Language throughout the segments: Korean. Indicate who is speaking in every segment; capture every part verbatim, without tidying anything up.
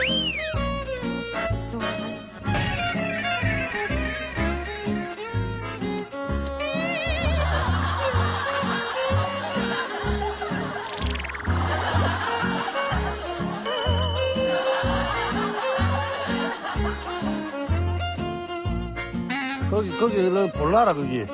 Speaker 1: 거기, 거기, 너 볼라라, 거기.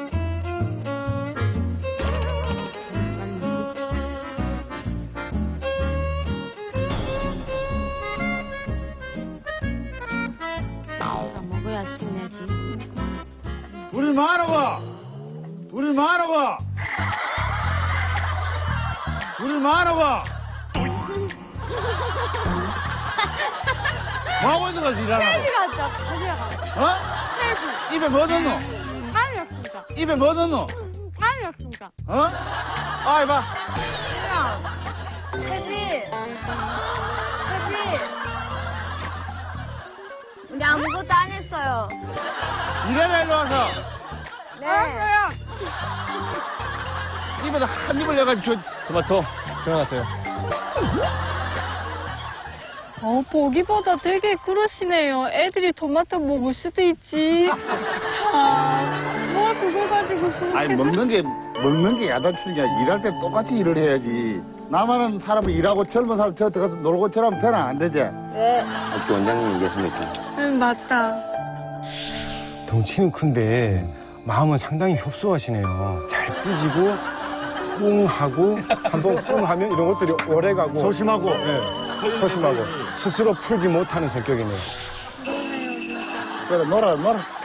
Speaker 2: 먹어야 신내지.
Speaker 1: 둘이 말아봐! 둘이 말아봐! 둘이 말아봐! 뭐하고 있는 거지, 일하라고?
Speaker 2: 헬기 가자, 헬기 가자.
Speaker 1: 어?
Speaker 2: 헬기.
Speaker 1: 입에 뭐 넣노?
Speaker 2: 살이었습니다.
Speaker 1: 입에 뭐 넣노?
Speaker 2: 살이었습니다.
Speaker 1: 어? 아, 이봐.
Speaker 3: 혜진! 혜진! 우리 아무것도 안 했어요.
Speaker 1: 이래라, 일로 와서.
Speaker 3: 네.
Speaker 2: 알았어요.
Speaker 1: 입에다 한 입을 내가지고 저 토마토 들어갔어요.
Speaker 2: 어, 보기보다 되게 그러시네요. 애들이 토마토 먹을 수도 있지. 아, 뭘 그거 가지고 그렇게.
Speaker 1: 아니, 먹는 게, 먹는 게 야단치는 게 아니라 일할 때 똑같이 일을 해야지. 나만은 사람은 일하고 젊은 사람 저 들어가서 놀고 저러면 되나? 안 되지?
Speaker 3: 네.
Speaker 4: 학교 원장님 얘기했습니까?
Speaker 2: 응, 맞다.
Speaker 5: 덩치는 큰데 마음은 상당히 협소하시네요. 잘 삐지고 뿡 하고 한번 뿡 하면 이런 것들이 오래 가고
Speaker 1: 소심하고.
Speaker 5: 네, 소심하고 스스로 풀지 못하는 성격이네요.
Speaker 1: 그래, 놀아, 놀아.